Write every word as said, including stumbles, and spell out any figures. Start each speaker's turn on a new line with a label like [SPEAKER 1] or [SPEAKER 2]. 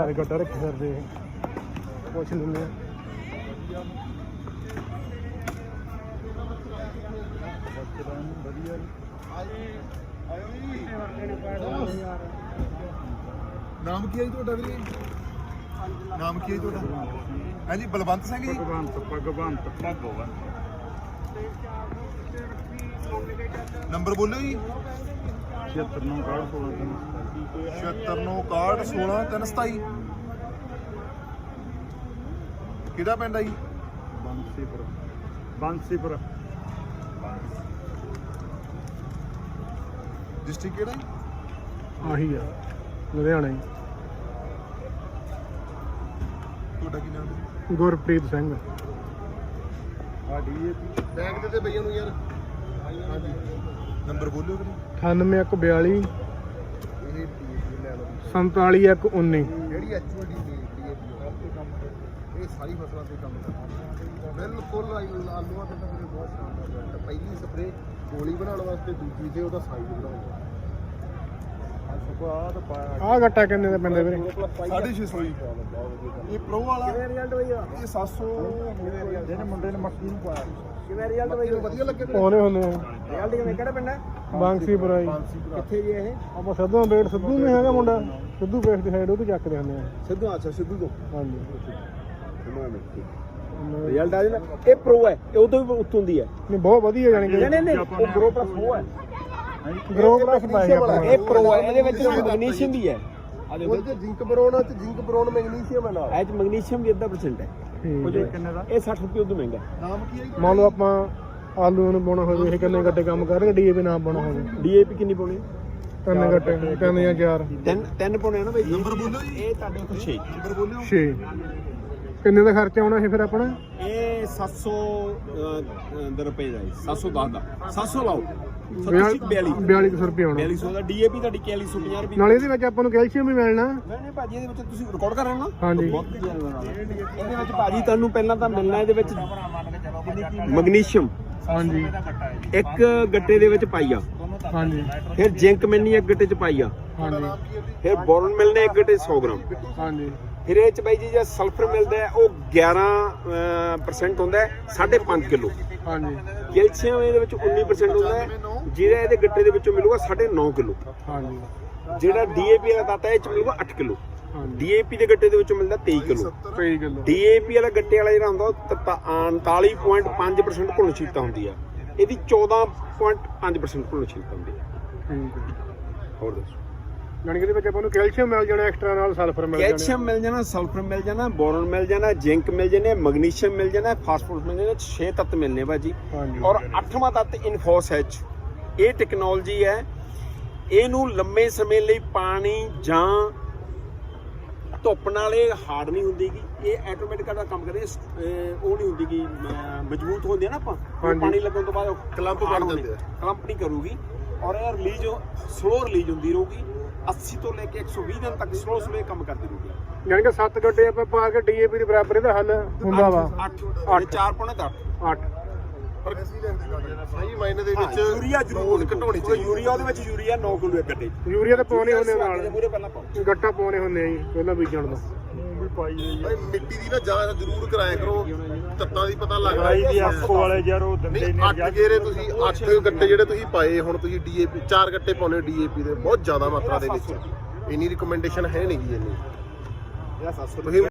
[SPEAKER 1] ਚਾਰ ਗੱਟਾ ਰੱਖੇ ਫਿਰਦੇ ਪੁੱਛ ਲੈਂਦੇ ਆ।
[SPEAKER 2] ਨਾਮ ਕੀ ਹੈ ਜੀ ਤੁਹਾਡਾ ਵੀਰੇ? ਨਾਮ ਕੀ ਹੈ ਤੁਹਾਡਾ? ਹਾਂਜੀ ਬਲਵੰਤ ਸਿੰਘ ਜੀ।
[SPEAKER 1] ਭਗਵੰਤ ਭਗਵੰਤ ਭਗਵੰਤ
[SPEAKER 2] ਨੰਬਰ ਬੋਲੋ ਜੀ।
[SPEAKER 1] ਛਿਅੱਤਰ ਨੌ ਇਕਾਹਠ ਸੋਲਾਂ
[SPEAKER 2] ਛਿਅੱਤਰ ਨੌ ਇਕਾਹਠ ਸੋਲਾਂ ਤਿੰਨ ਸਤਾਈ। ਕਿਹੜਾ ਪਿੰਡ ਆ ਜੀ?
[SPEAKER 1] ਬੰਸੀਪੁਰ ਬੰਸੀਪੁਰ
[SPEAKER 2] ਡਿਸਟ੍ਰਿਕਟ ਕਿਹੜਾ ਜੀ?
[SPEAKER 1] ਆਹੀ ਆ ਲੁਧਿਆਣਾ ਜੀ।
[SPEAKER 2] ਤੁਹਾਡਾ ਕੀ ਨਾਮ ਹੈ?
[SPEAKER 1] ਗੁਰਪ੍ਰੀਤ ਸਿੰਘ।
[SPEAKER 2] ਸਾਡੀ ਬੈਗ ਦੇ ਤੇ ਬਈਆਂ ਨੂੰ ਯਾਰ। ਹਾਂਜੀ ਨੰਬਰ ਬੋਲਿਓ ਵੀਰੇ।
[SPEAKER 1] ਅਠਾਨਵੇਂ ਇੱਕ ਬਿਆਲੀ
[SPEAKER 2] ਇਹ ਲੈ ਲਓ
[SPEAKER 1] ਸੰਤਾਲੀ ਇੱਕ ਉੱਨੀ।
[SPEAKER 2] ਜਿਹੜੀ ਐਚਓਡੀ ਦੀ ਇਹ ਸਾਰੀ ਫਸਲਾਂ ਤੇ ਕੰਮ ਕਰਦਾ ਬਿਲਕੁਲ। ਆਲੂਆਂ ਤੇ ਤਾਂ ਮੇਰੇ ਬਹੁਤ ਸ਼ਾਨਦਾਰ ਰਿਜ਼ਲਟ। ਪਹਿਲੀ ਸਪਰੇ ਗੋਲੀ ਬਣਾਉਣ ਵਾਸਤੇ, ਦੂਜੀ ਤੇ ਉਹਦਾ ਸਾਈਜ਼ ਬਣਾਉਣਾ।
[SPEAKER 1] ਆਹ ਗੱਟਾ ਕਿੰਨੇ ਦਾ ਪੈਂਦਾ ਵੀਰੇ?
[SPEAKER 2] ਸਾਢੇ ਛੇ ਸੌ ਜੀ। ਇਹ ਪ੍ਰੋ ਵਾਲਾ
[SPEAKER 1] ਕਿਵੇਂ ਰਿਜ਼ਲਟ ਬਈ?
[SPEAKER 2] ਇਹ ਸੱਤ ਸੌ।
[SPEAKER 1] ਜਿਹਨੇ ਮੁੰਡੇ ਨੇ ਮੱਕੀ ਨੂੰ ਪਾਇਆ
[SPEAKER 2] ਕਿਵੇਂ ਰਿਜ਼ਲਟ ਬਈ? ਵਧੀਆ ਲੱਗੇ
[SPEAKER 1] ਪਾਉਣੇ ਹੁੰਦੇ ਆ।
[SPEAKER 2] ਰਿਜ਼ਲਟ ਕਿਵੇਂ? ਕਿਹੜਾ ਪਿੰਡ ਹੈ?
[SPEAKER 1] ਬਾਂਸੀਪੁਰਾ ਜੀ।
[SPEAKER 2] ਕਿੱਥੇ ਜੀ ਇਹ?
[SPEAKER 1] ਆਪਾਂ ਸਿੱਧੂ ਬੇਟ ਸਿੱਧੂ ਨਹੀਂ ਹੈਗਾ ਮੁੰਡਾ, ਸਿੱਧੂ ਬੇਟ ਦੀ ਸਾਈਡ ਉਹ ਤੋਂ ਚੱਕਦੇ ਹੁੰਦੇ ਆ।
[SPEAKER 2] ਸਿੱਧੂ? ਅੱਛਾ ਸਿੱਧੂ ਤੋਂ।
[SPEAKER 1] ਹਾਂਜੀ
[SPEAKER 2] ਰਿਜ਼ਲਟ ਆ ਜਾਂਦਾ। ਇਹ ਪ੍ਰੋ ਹੈ, ਇਹ ਉਦੋਂ ਵੀ ਉੱਤੋਂ ਦੀ ਹੈ।
[SPEAKER 1] ਨਹੀਂ ਬਹੁਤ ਵਧੀਆ ਜਾਣੀ ਕਿ
[SPEAKER 2] ਨਹੀਂ ਨਹੀਂ ਉਹ ਪ੍ਰੋ ਪਲੱਸ ਉਹ ਹੈ।
[SPEAKER 1] ਗਰੋ ਪਲੱਸ ਪਾਇਆ ਆਪਾਂ
[SPEAKER 2] ਇਹ ਪ੍ਰੋ ਹੈ, ਇਹਦੇ ਵਿੱਚ ਮੈਗਨੀਸ਼ੀਅਮ ਵੀ ਹੈ। ਆ ਦੇਖੋ ਜ਼ਿੰਕ ਬਰੋਨ ਤੇ ਜ਼ਿੰਕ ਬਰੋਨ ਮੈਗਨੀਸ਼ੀਅਮ ਹੈ ਨਾਲ। ਇਹ ਚ ਮੈਗਨੀਸ਼ੀਅਮ ਵੀ ਅੱਧਾ ਪਰਸੈਂਟ ਹੈ।
[SPEAKER 1] ਕਿੰਨੇ ਦਾ?
[SPEAKER 2] ਇਹ ਸੱਠ ਰੁਪਏ ਉਦੋਂ ਮਹਿੰਗਾ। ਨਾਮ ਕੀ ਹੈ?
[SPEAKER 1] ਮੰਨ ਲਓ ਆਪਾਂ ਆਲੂ ਨੂੰ ਪਾਉਣਾ ਹੋਵੇ, ਇਹ ਕਿੰਨੇ ਗੱਟੇ ਕੰਮ ਕਰਨਗੇ? ਡੀਏਪੀ ਨਾ ਪਾਉਣਾ ਹੋਵੇ,
[SPEAKER 2] ਡੀਏਪੀ ਕਿੰਨੀ ਪਾਉਣੀ?
[SPEAKER 1] ਤਿੰਨ ਗੱਟੇ, ਤਿੰਨ ਜਾਂ ਚਾਰ।
[SPEAKER 2] ਤਿੰਨ ਤਿੰਨ ਪਾਉਣੇ ਆ ਨਾ ਬਾਈ। ਨੰਬਰ ਬੋਲੋ ਜੀ। ਇਹ ਤੁਹਾਡੇ ਉੱਤੇ ਛੇ। ਨੰਬਰ ਬੋਲਿਓ।
[SPEAKER 1] ਛੇ। ਕਿੰਨੇ ਦਾ ਖਰਚਾ ਆਉਣਾ ਸੀ ਫਿਰ ਆਪਣਾ?
[SPEAKER 2] ਇਹ ਸੱਤ ਸੌ ਰੁਪਏ ਦਾ, ਸੱਤ ਸੌ ਦਸ ਦਾ। ਸੱਤ ਸੌ ਲਾਓ।
[SPEAKER 1] ਬਿਆਲੀ ਸੌ ਰੁਪਏ ਆਉਣਾ।
[SPEAKER 2] ਬਿਆਲੀ ਸੌ ਦਾ ਡੀਏਪੀ ਤੁਹਾਡੀ ਇਕਤਾਲੀ ਸੌ ਪੰਜਾਹ ਰੁਪਏ।
[SPEAKER 1] ਨਾਲ ਇਹਦੇ ਵਿੱਚ ਆਪਾਂ ਨੂੰ ਕੈਲਸ਼ੀਅਮ ਵੀ ਮਿਲਣਾ।
[SPEAKER 2] ਨਹੀਂ ਨਹੀਂ ਭਾਜੀ, ਇਹਦੇ ਵਿੱਚ ਤੁਸੀਂ ਰਿਕਾਰਡ ਕਰ ਰਹੇ ਹੋ ਨਾ?
[SPEAKER 1] ਹਾਂਜੀ।
[SPEAKER 2] ਇਹਦੇ ਵਿੱਚ ਭਾਜੀ ਤੁਹਾਨੂੰ ਪਹਿਲਾਂ ਤਾਂ ਮਿਲਣਾ ਇਹਦੇ ਵਿੱਚ ਮੈਗਨੀਸ਼ੀਅਮ।
[SPEAKER 1] ਹਾਂਜੀ।
[SPEAKER 2] ਇੱਕ ਗੱਟੇ ਦੇ ਵਿੱਚ ਪਾਈਆ।
[SPEAKER 1] ਹਾਂਜੀ।
[SPEAKER 2] ਫਿਰ ਜ਼ਿੰਕ ਮਿਲਣੀ ਇੱਕ ਗੱਟੇ ਚ ਪਾਈਆ।
[SPEAKER 1] ਹਾਂਜੀ।
[SPEAKER 2] ਫਿਰ ਬੋਰਨ ਮਿਲਣੇ ਇੱਕ ਗੱਟੇ ਸੌ ਗ੍ਰਾਮ।
[SPEAKER 1] ਹਾਂਜੀ।
[SPEAKER 2] ਫਿਰ ਇਹ ਚ ਬਾਈ ਜੀ ਜੇ ਸਲਫਰ ਮਿਲਦਾ ਹੈ ਉਹ ਗਿਆਰਾਂ ਪਰਸੈਂਟ ਹੁੰਦਾ ਹੈ, ਸਾਢੇ ਪੰਜ ਕਿਲੋ।
[SPEAKER 1] ਹਾਂਜੀ।
[SPEAKER 2] ਕੈਲਸ਼ੀਅਮ ਇਹਦੇ ਵਿੱਚ ਉੱਨੀ ਪਰਸੈਂਟ ਹੁੰਦਾ ਹੈ, ਜਿਹੜਾ ਇਹਦੇ ਗੱਟੇ ਦੇ ਵਿੱਚੋਂ ਮਿਲੂਗਾ ਸਾਢੇ ਨੌ ਕਿਲੋ।
[SPEAKER 1] ਹਾਂਜੀ।
[SPEAKER 2] ਜਿਹੜਾ ਡੀਏਪੀ ਵਾਲਾ ਦਾਤਾ ਇਹ ਚ ਮਿਲੂਗਾ ਅੱਠ ਕਿਲੋ। ਡੀਏਪੀ ਦੇ ਗੱਟੇ ਦੇ ਵਿੱਚੋਂ ਮਿਲਦਾ ਤੇਈ ਕਿਲੋ।
[SPEAKER 1] ਤੇਈ ਕਿਲੋ।
[SPEAKER 2] ਡੀਏਪੀ ਵਾਲਾ ਗੱਟੇ ਵਾਲਾ ਜਿਹੜਾ ਹੁੰਦਾ ਉਹ ਉਨਤਾਲੀ ਪੁਆਇੰਟ ਪੰਜ ਪਰਸੈਂਟ ਘੁਲਣਸ਼ੀਲਤਾ ਹੁੰਦੀ ਆ, ਇਹਦੀ ਚੌਦਾਂ ਪੁਆਇੰਟ ਪੰਜ ਪਰਸੈਂਟ ਘੁਲਣਸ਼ੀਲਤਾ ਹੁੰਦੀ ਹੈ।
[SPEAKER 1] ਠੀਕ ਹੈ।
[SPEAKER 2] ਹੋਰ ਦੱਸੋ?
[SPEAKER 1] ਜਾਣੀ ਕਿ ਇਹਦੇ ਵਿੱਚ ਆਪਾਂ ਨੂੰ ਕੈਲਸ਼ੀਅਮ ਮਿਲ ਜਾਣਾ, ਐਕਸਟਰਾ ਨਾਲ ਸਲਫਰ ਮਿਲ ਜਾਣਾ।
[SPEAKER 2] ਕੈਲਸ਼ੀਅਮ ਮਿਲ ਜਾਣਾ, ਸਲਫਰ ਮਿਲ ਜਾਣਾ, ਬੋਰਨ ਮਿਲ ਜਾਣਾ, ਜ਼ਿੰਕ ਮਿਲ ਜਾਣੇ, ਮੈਗਨੀਸ਼ੀਅਮ ਮਿਲ ਜਾਣਾ, ਫਾਸਫੋਰਸ ਮਿਲ ਜਾਣਾ। ਛੇ ਤੱਤ ਮਿਲਨੇ ਭਾਜੀ।
[SPEAKER 1] ਹਾਂਜੀ।
[SPEAKER 2] ਔਰ ਅੱਠਵਾਂ ਤੱਤ ਇਨਫੋਸ ਐਚ। ਇਹ ਟੈਕਨੋਲੋਜੀ ਹੈ, ਇਹਨੂੰ ਲੰਮੇ ਸਮੇਂ ਲਈ ਪਾਣੀ ਜਾਂ ਧੁੱਪ ਨਾਲ ਇਹ ਹਾਰਡ ਨਹੀਂ ਹੁੰਦੀਗੀ। ਇਹ ਆਟੋਮੈਟਿਕ ਦਾ ਕੰਮ ਕਰਦੇ, ਉਹ ਨਹੀਂ ਹੁੰਦੀਗੀ, ਮਜ਼ਬੂਤ ਹੁੰਦੀ ਹੈ ਨਾ। ਆਪਾਂ ਪਾਣੀ ਲੱਗਣ ਤੋਂ ਬਾਅਦ ਕਲੰਪ ਬਣ ਜਾਂਦੇ ਆ, ਕਲੰਪ ਨਹੀਂ ਕਰੂਗੀ। ਔਰ ਇਹ ਰਿਲੀਜ਼ ਸਲੋ ਰਿਲੀਜ਼ ਹੁੰਦੀ ਰਹੂਗੀ। ਅੱਸੀ ਤੋਂ ਲੈ ਕੇ ਇੱਕ ਸੌ ਵੀਹ ਦਿਨ ਤੱਕ ਸਲੋ ਸਲੋ ਕੰਮ ਕਰਦੀ ਰਹੂਗੀ।
[SPEAKER 1] ਜਾਣੀ ਕਿ ਸੱਤ ਗੱਡੇ ਆਪਾਂ ਪਾ ਕੇ ਡੀਏਪੀ ਦੇ ਬਰਾਬਰ ਇਹਦਾ ਹੱਲ ਹੁੰਦਾ ਵਾ।
[SPEAKER 2] ਅੱਠ ਚਾਰ ਪੌਣੇ ਦਾ
[SPEAKER 1] ਅੱਠ।
[SPEAKER 2] ਪਰ ਸਹੀ ਮਾਇਨੇ ਦੇ ਵਿੱਚ ਯੂਰੀਆ ਜ਼ਰੂਰ ਘਟਾਉਣੀ ਚਾਹੀਦੀ। ਯੂਰੀਆ ਉਹਦੇ ਵਿੱਚ ਯੂਰੀਆ ਨੌ ਕਿਲੋ ਇੱਕ ਗੱਡੇ।
[SPEAKER 1] ਯੂਰੀਆ ਤਾਂ ਪਾਉਣੇ ਹੁੰਦੇ ਨਾਲ,
[SPEAKER 2] ਮੂਰੇ ਪਹਿਲਾਂ ਪਾਓ।
[SPEAKER 1] ਗੱਟਾ ਪਾਉਣੇ ਹੁੰਦੇ ਆ ਜੀ ਪਹਿਲਾਂ ਬੀਜਣ ਤੋਂ।
[SPEAKER 2] ਮਿੱਟੀ ਦੀ ਨਾ ਜਾਂਚ ਜ਼ਰੂਰ ਕਰਾਇਆ ਕਰੋ, ਤੱਤਾਂ ਦੀ ਪਤਾ ਲੱਗਦਾ।
[SPEAKER 1] ਦੀ ਆਪਕੋ ਵਾਲੇ ਯਾਰ ਉਹ ਦਿੰਦੇ ਨਹੀਂ।
[SPEAKER 2] ਅੱਠ ਗੇਰੇ ਤੁਸੀਂ ਅੱਠ ਗੱਟੇ ਜਿਹੜੇ ਤੁਸੀਂ ਪਾਏ, ਹੁਣ ਤੁਸੀਂ ਡੀਏਪੀ ਚਾਰ ਗੱਟੇ ਪਾਉਣੇ ਡੀਏਪੀ ਦੇ, ਬਹੁਤ ਜ਼ਿਆਦਾ ਮਾਤਰਾ ਦੇ ਵਿੱਚ। ਇੰਨੀ ਰਿਕਮੈਂਡੇਸ਼ਨ ਹੈ ਨਹੀਂ ਜੀ ਇੰਨੀ। ਤੁਸੀਂ